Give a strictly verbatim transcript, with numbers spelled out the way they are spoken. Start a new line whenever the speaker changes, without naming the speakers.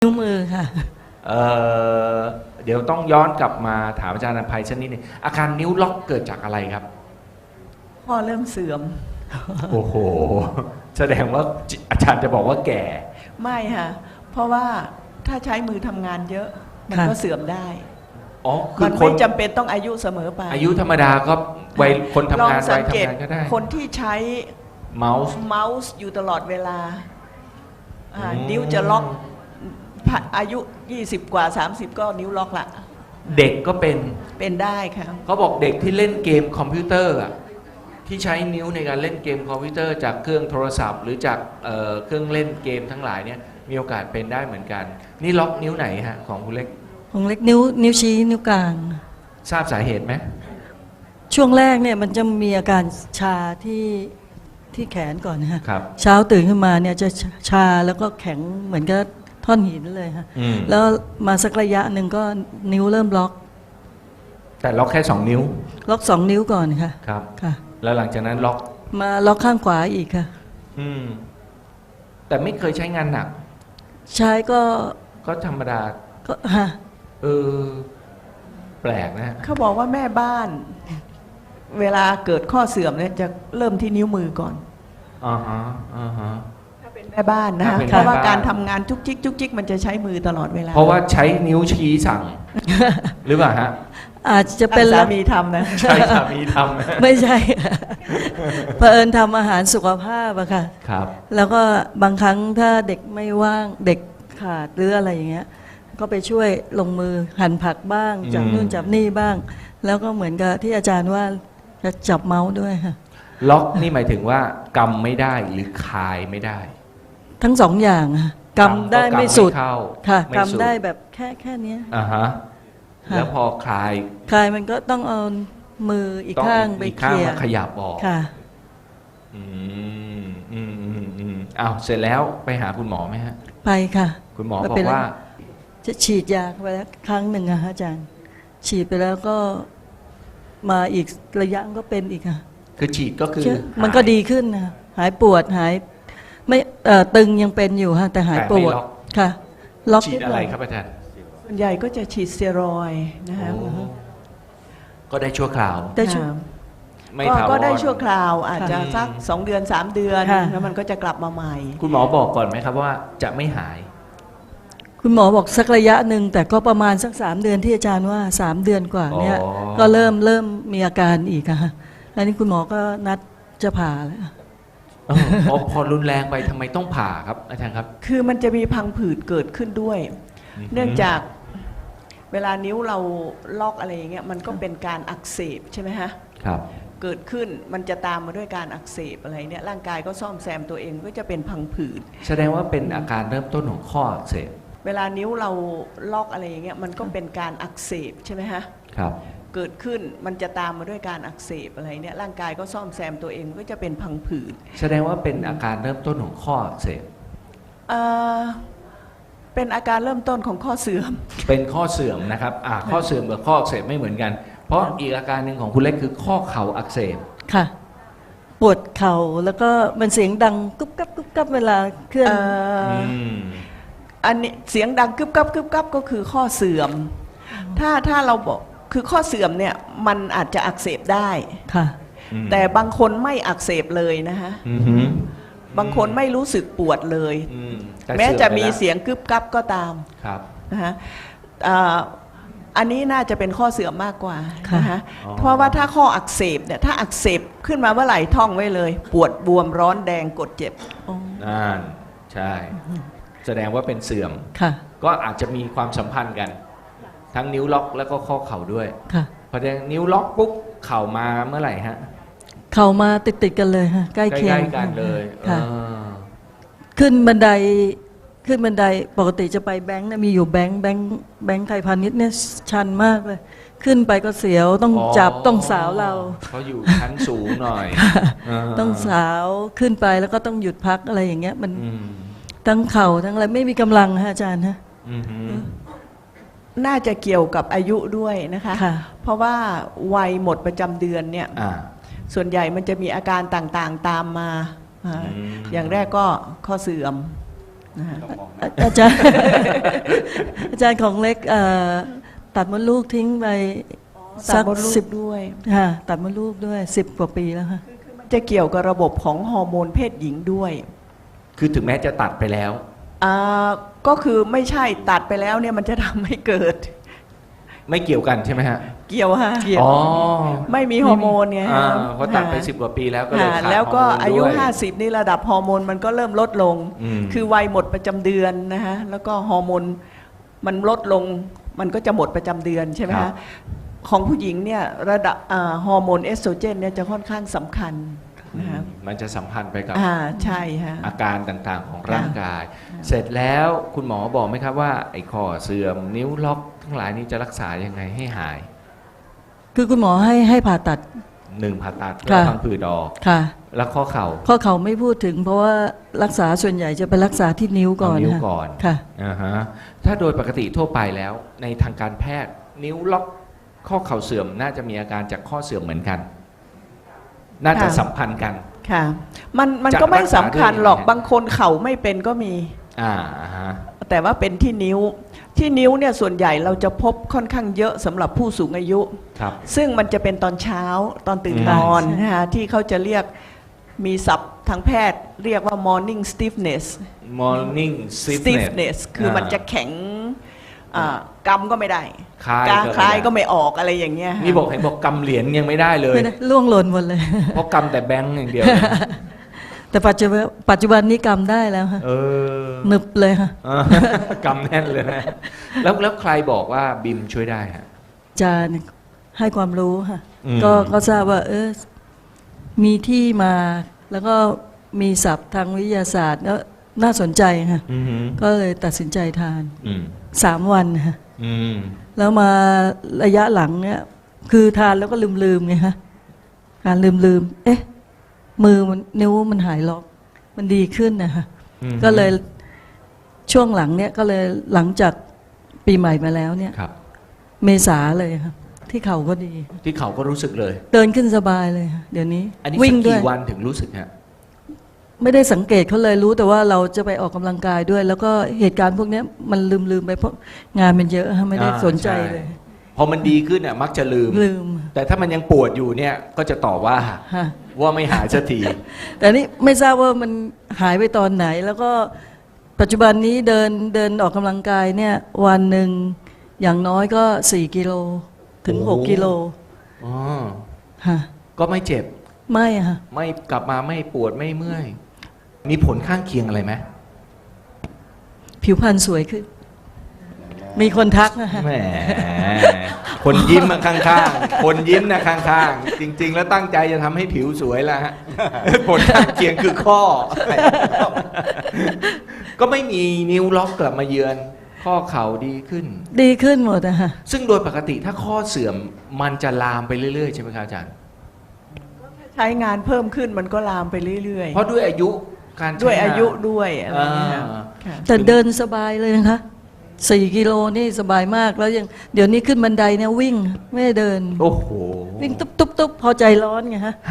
นิ้วมือค่ะ
เอ่อเดี๋ยวต้องย้อนกลับมาถามอาจารย์อภัยสักนิดหนึงอาการนิ้วล็อกเกิดจากอะไรครับ
พ่อเริ่มเสื่อม
โอ้โห แสดงว่าอาจารย์จะบอกว่าแก่
ไม่ค่ะ เพราะว่าถ้าใช้มือทำงานเยอะ มันก็เสื่อมได้
อ๋อ คื
มั
อน ค
ไม่
น
จำเป็นต้องอายุเสมอไป
อายุธรรมดาก็วัยคนทำงาน
ลองสั
วัย
เกต
ทำงานก็ได้
คนที่ใช้
เมาส์
เมาส์อยู่ตลอดเวลาอ่า
อืม
นิ้วจะล็อกอายุยี่สิบกว่าสามสิบก็นิ้วล็อกละ
เด็กก็เป็น
เป็นได้ค่ะ
เขาบอกเด็กที่เล่นเกมคอมพิวเตอร์อะที่ใช้นิ้วในการเล่นเกมคอมพิวเตอร์จากเครื่องโทรศัพท์ หรือจากเอ่อเครื่องเล่นเกมทั้งหลายเนี่ยมีโอกาสเป็นได้เหมือนกัน นี่ล็อกนิ้วไหนฮะของคุณเล็ก
ของเล็กนิ้วนิ้วชี้นิ้วกลาง
ทราบสาเหตุไหม
ช่วงแรกเนี่ยมันจะมีอาการชาที่ที่แขนก่อนนะฮะ
ครับ
เช้าตื่นขึ้นมาเนี่ยจะชาแล้วก็แข็งเหมือนกับท่อนหินเลยฮะ
อืม
แล้วมาสักระยะหนึ่งก็นิ้วเริ่มล็อก
แต่ล็อกแค่สองนิ้ว
ล็อกสองนิ้วก่อนค่ะ
ครับ
ค่ะ
แล้วหลังจากนั้นล็อก
มาล็อกข้างขวาอีกค่ะ
อืม แต่ไม่เคยใช้งานหนัก
ใช้ก็
ก็ธรรมดา
ก็ฮะ
เออ แปลกนะฮะ
เขาบอกว่าแม่บ้าน เวลาเกิดข้อเสื่อมเนี่ยจะเริ่มที่นิ้วมือก่อน
อ่าฮะอ่าฮะ
ถ้าเป็นแม่บ้านนะ
ถ้า
คะ
เป็น
เพราะว่า
แม่บ้าน
การทำงานจุกจิกจุกจิกมันจะใช้มือตลอดเวลา
เพราะว่าใช้นิ้วชี้สั่ง หรือเปล่าฮะ
อาจจะ
เป็
เป็น น
สา
ลัก
มีทำนะ
ใช่สามีทำนะ
ไม่ใช่ เผอิญทำอาหารสุขภาพอะค่ะ
ครับ
แล้วก็บางครั้งถ้าเด็กไม่ว่างเด็กขาดหรืออะไรอย่างเงี้ย ก็ไปช่วยลงมือหั่นผักบ้างจับ
อืม
นู่นจับนี่บ้าง แล้วก็เหมือนกับที่อาจารย์ว่าจะจับเมาส์ด้วยค่ะ
ล็อกนี่หมายถึงว่ากำไม่ได้หรือคายไม่ได้
ทั้งสองอย่างค่ะกำได้
ก็
ไม่สุด
เข้า
ค่ะ
ม่สุ
กำได้แบบแค่แค่เนี้ย
อ่าฮะ
ค่ะ
แล้วพอคลาย
คลายมันก็ต้องเอามืออีก
ต้อง
ข้างไป
อีก
เค
ข้าง
ลีย
มา
ร์
ขยับออก
ค่ะ
อืมอืมอืมอืมอ้าวเสร็จแล้วไปหาคุณหมอไหมฮะ
ไปค่ะ
คุณหมอ
ไม่
บอ
เป็น
ก
ไร
ว่า
จะฉีดยาเข้าไปแล้วครั้งหนึ่งอะฮะอาจารย์ ฉีดไปแล้วก็มาอีกระยะก็เป็นอีกค่ะ
คือฉีดก็คือ
เชื่อมันก็ดีขึ้นนะหายปวดหายไม่เอ่อตึงยังเป็นอยู่ฮะแต่หาย
แต่
ป
ไม่
วด
ล็อก
ค่ะ ล็อก
ฉีด
นิ
อะไร
หน่ย
ครับอาจารย์
ส่วนใหญ่ก็จะฉีดสเตียรอยด์นะคะ
โอ้ก็ได้ชั่วคราว
ได้ช่วย
อ่า
ไม่
ก็
ถาวร
ก็ได้ชั่วคราวอาจจะ
ค่ะ
สักสองเดือนสามเดือน
ค่ะ
แล้วมันก็จะกลับมาใหม่
คุณหมอบอกก่อนไหมครับว่าจะไม่หาย
คุณหมอบอกสักระยะหนึ่งแต่ก็ประมาณสักสามเดือนที่อาจารย์ว่าสามเดือนกว่าเนี่ย
อ๋อ
ก็เริ่มเริ่มมีอาการอีกอะค่ะแล้วนี่คุณหมอก็นัดจะผ่าแล้ว
เออพอพอรุนแรงไปทำไมต้องผ่าครับอาจารย์ครับ
คือมันจะมีพังผืดเกิดขึ้นด้วย เนื่องจากเวลานิ้วเราลอกอะไรอย่างเงี้ยมันก็เป็นการอักเสบใช่ไหมฮะ
ครับ
เกิดขึ้นมันจะตามมาด้วยการอักเสบอะไรเนี่ยร่างกายก็ซ่อมแซมตัวเองก็จะเป็นพังผืด
แสดงว่าเป็นอาการเริ่มต้นของข้ออักเสบ
เวลานิ้วเราลอกอะไรอย่างเงี้ยมันก็เป็นการอักเสบใช่ไหมฮะ
ครับ
เกิดขึ้นมันจะตามมาด้วยการอักเสบอะไรเนี่ยร่างกายก็ซ่อมแซมตัวเองก็จะเป็นพังผืด
แสดงว่าเป็นอาการเริ่มต้นของข้ออักเสบ
เอ่อเป็นอาการเริ่มต้นของข้อเสื่อม
เป็นข้อเสื่อมนะครับอ่าข้อเสื่อมกับข้ออักเสบไม่เหมือนกัน เพราะอีกอาการหนึ่งของคุณเล็กคือข้อเข่าอักเสบ
ค่ะ ปวดเข่าแล้วก็มันเสียงดังกุ๊บกับกุ๊บกับเวลาเคลื่อน
เอ่ออ
ม
อันนี้เสียงดังกึบกับกึบกับก็คือข้อเสื่อม ถ้าถ้าเราบอกคือข้อเสื่อมเนี่ยมันอาจจะอักเสบได้
ค่ะ
แต่บางคนไม่อักเสบเลยนะฮะ
อือหือบ
างคนไม่รู้สึกปวดเลย
อืมแต่
แม้จะมี
สื่อไปแล้ว
เสียงกึบกับก็ตาม
ครับ
นะฮะอ่าอันนี้น่าจะเป็นข้อเสื่อมมากกว่า
ค่ะ
นะคะ
อ๋อ
เพราะว่าถ้าข้ออักเสบเนี่ยถ้าอักเสบขึ้นมาเมื่อไหร่ท่องไว้เลย ปวดบวมร้อนแดงกดเจ็บ
อ๋อ
นั่นใช่ แสดงว่าเป็นเสื่อม
ค่ะ
ก็อาจจะมีความสัมพันธ์กัน ทั้งนิ้วล็อกแล้วก็ข้อเข่าด้วย
ค่ะ
พอเดนิ้วล็อกปุ๊บเข่ามาเมื่อไหร่ฮะ
เข่ามาติดติดๆกันเลยค่ะใกล้
ใก
เคียง
ล้ๆกันเลย
ค่ะ
เออ
ขึ้นบันไดขึ้นบันไดปกติจะไปแบงค์นะมีอยู่แบงค์แบงค์แบงค์ไทยพาณิชย์เนี่ยชันมากเลย ขึ้นไปก็เสียวต้องจับต้องสาวเรา
เขาอยู่ชั้นสูงหน่อยา
ต้องสาวขึ้นไปแล้วก็ต้องหยุดพักอะไรอย่างเงี้ยมัน
อืม
ทั้งเข่าทั้งอะไรไม่มีกำลังฮะอาจารย์ฮะ
อือหือ
น่าจะเกี่ยวกับอายุด้วยนะคะ
ค่ะ
เพราะว่าวัยหมดประจำเดือนเนี่ย
อ่า
ส่วนใหญ่มันจะมีอาการต่างๆตามมาอ่า
อืม
อย่างแรกก็ข้อเสื่อมนะฮะ
อาอาจารย์ อาจารย์ของเล็กเอ่อตัดมดลูกทิ้งไป
ตั
สั
ด
ก
มดลู
สิ
ก
บ
ด้วย
ค่ะตัดมดลูกด้วยสิบกว่าปีแล้วค่ะ
จะเกี่ยวกับระบบของฮอร์โมนเพศหญิงด้วย
คือถึงแม้จะตัดไปแล้ว
อ่าก็คือไม่ใช่ตัดไปแล้วเนี่ยมันจะทำให้เกิด
ไม่เกี่ยวกันใช่ไหมฮะ
เกี่ยวฮะ
เกี่ยว
อ๋อ
ไม่มีฮอร์โมนไง
อ่า
ฮะ
เพราะตัดไปสิบกว่าปีแล้วก็เลย
ฮะ
ขาด
แล้วก็
ฮร์โมน
อายุ
ด้วย
ห้าสิบนี่ระดับฮอร์โมนมันก็เริ่มลดลง
อืม
คือวัยหมดประจำเดือนนะฮะแล้วก็ฮอร์โมนมันลดลงมันก็จะหมดประจำเดือนใช่ไหม
ครั
ฮะ
บ
ของผู้หญิงเนี่ยระดับอ่าฮอร์โมนเอสโตรเจนเนี่ยจะค่อนข้างสำคัญนะฮะ
มันจะสัมพันธ์ไปกับ
อ่าใช่ฮะ
อาการต่างๆของร่างกาย เสร็จแล้วคุณหมอบอกไหมครับว่าไอ้ข้อเสื่อมนิ้วล็อกทั้งหลายนี้จะรักษายังไงให้หาย
คือคุณหมอให้ให้ผ่าตัด
หนึ่งผ่าตัดเพื่อ
ค่ะ
พังผืดออก
ค่ะ
แล้วข้อเข่า
ข้อเข่าไม่พูดถึง เพราะว่ารักษาส่วนใหญ่จะไปรักษาที่นิ้วก่อน
เอานิ้ว
ค่ะ
ก่อน
ค่ะ
อ่าฮะถ้าโดยปกติทั่วไปแล้วในทางการแพทย์นิ้วล็อกข้อเข่าเสื่อมน่าจะมีอาการจากข้อเสื่อมเหมือนกัน น่าจะ
ค่ะ
สัมพันธ์กัน
ค่ะมันมัน
จะ
ก็ไม่
รักษา
สำคัญหรอก
ด้วยยังไง
บางคนเข่าไม่เป็นก็มี
อ่าฮะ
แต่ว่าเป็นที่นิ้วที่นิ้วเนี่ยส่วนใหญ่เราจะพบค่อนข้างเยอะสำหรับผู้สูงอายุ
ครับ
ซึ่งมันจะเป็นตอนเช้าตอนตื่น
อืม
นอน
ใช่
นะฮะที่เขาจะเรียกมีศัพท์ทางแพทย์เรียกว่า morning stiffness
morning stiffness
stiffness คือมันจะแข็งอ่ากำก็ไม่ได้
คลาย
กาง
ก็
คลาย
ไม่ได้
ก็ไม่ออกอะไรอย่างเงี้ยฮะ
นี่บอกเห็นบอกกำเหรียญยังไม่ได้เลย
ไม่ได้ล่วงหล่นหมดเลย
เพราะกำแต่แบงก์อย่างเดียว
แต่ปัจจุบันปัจจุบันนี้กำได้แล้วค่ะ
เออ
หนึบเลยค่ะ
เออก ำแน่นเลยนะแล้วแล้วใครบอกว่าบิมช่วยได้ฮะ
อาจารย์ให้ความรู้ค่ะ
อืม
ก็ก็ทราบว่า เออมีที่มา แล้วก็มีศัพท์ทางวิทยาศาสตร์แล้วน่าสนใจค่ะ
อืม
ก็เลยตัดสินใจทาน
อืม
สามวันค่ะ
อืม
แล้วมาระยะหลังเนี่ย คือทานแล้วก็ลืมลืมๆไงฮะการลืมลืมๆเอ๊ะ มือมันนิ้วมันหายล็อก มันดีขึ้นนะคะ
อืม
ก็เลยช่วงหลังเนี่ยก็เลยหลังจากปีใหม่มาแล้วเนี่ย
ครับ
เมษาเลยครับที่เข่าก็ดี
ที่เขาก็รู้สึกเลย
เดินขึ้นสบายเลยค่ะเดี๋ยวนี้
อันนี้
วิ่
สั
ง
ก
ด้วย
กี่วันถึงรู้สึกฮะ
ไม่ได้สังเกตเขาเลยรู้แต่ว่าเราจะไปออกกำลังกายด้วย แล้วก็เหตุการณ์พวกเนี้ยมันลืมลืมๆไปเพราะงานมันเยอะฮะไม่ได้
อ่า
สนใจ
ใช่
เลย
พอมันดีขึ้นอ่ะมักจะลืม
ลืม
แต่ถ้ามันยังปวดอยู่เนี่ยก็จะต่อว่า
ฮะ
ว่าไม่หายสักที
แต่นี่ไม่ทราบว่ามันหายไปตอนไหน แล้วก็ปัจจุบันนี้เดินเดินออกกำลังกายเนี่ยวันหนึ่งอย่างน้อยก็สี่กิโลถึง
โอ้
หกกิโล
อ๋อ
ฮะ
ก็ไม่เจ็บ
ไม่ฮะ
ไม่กลับมาไม่ปวดไม่เมื่อย มีผลข้างเคียงอะไรไหม
ผิวพรรณสวยขึ้น มีคนทักนะฮะ
แหมคนยิ้มมาข้างๆ คนยิ้มนะข้างๆ จริง ๆ แล้วตั้งใจจะทำให้ผิวสวยแล้วฮะ ผลข้างเคียงคือข้อ ก็ไม่มีนิ้วล็อกกลับมาเยือน ข้อเข่าดีขึ้น
ดีขึ้นหมดนะฮะ
ซึ่งโดยปกติถ้าข้อเสื่อมมันจะลามไปเรื่อยๆ ใช่ไหมครับอาจารย์
ใช้งานเพิ่มขึ้นมันก็ลามไปเรื่อย
เพราะด้วยอายุการใช้
ๆ ด้วยอายุ
งน
ด้วยอะไรอย่างเงี้ย
อ่า
ค่ะ
แต่เดินสบายเลยนะคะสี่กิโลนี่สบายมากแล้วยังเดี๋ยวนี้ขึ้นบันไดเนี่ยวิ่งไม่ได้เดิน
โอ้โห
วิ่งตุ๊บตุ๊บตุ๊บพอใจร้อนไงฮะ